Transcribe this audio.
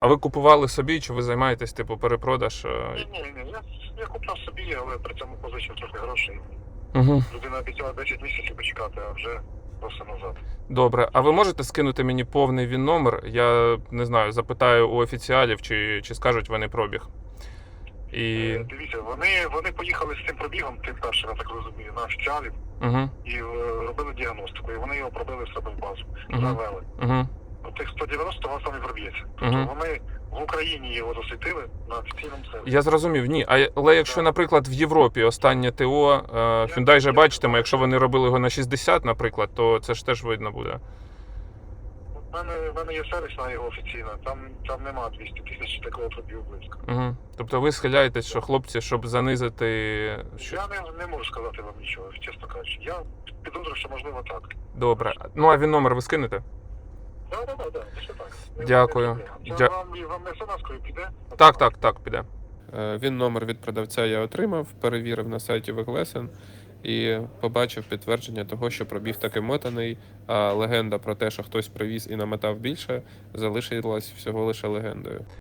А ви купували собі, чи ви займаєтесь, типу, перепродаж? Ні. Я купив собі, але при цьому позичив трохи грошей. Угу. Людина обіцяла 10 місяців почекати, а вже просто назад. Добре. А ви можете скинути мені повний ВІН-номер? Я не знаю, запитаю у офіціалів, чи скажуть вони пробіг. І... Дивіться, вони поїхали з цим пробігом, тим першим, я так розумію, на офіціалів, Угу. і робили діагностику, і вони його пробили в себе в базу, Угу. завели. Угу. Тих 190 у вас там і проб'ється. Тобто вони в Україні його засвітили на офіційному сервісі. Я зрозумів, ні. Але якщо, наприклад, в Європі останнє ТО, Hyundai же бачитиме, якщо вони робили його на 60, наприклад, то це ж теж видно буде. В мене є сервісна його офіційна, там нема 200 тисяч такого пробігу близько. Угу. Тобто ви схиляєтесь, що хлопці, щоб занизити... Я не можу сказати вам нічого, чесно кажучи. Я підозрюю, що можливо так. Добре. Ну, а ВІН-номер ви скинете? Так, все так. Дякую. Вам смс-кою піде? Так, піде. ВІН-номер від продавця я отримав, перевірив на сайті Weglesen і побачив підтвердження того, що пробіг таки мотаний, а легенда про те, що хтось привіз і намотав більше, залишилась всього лише легендою.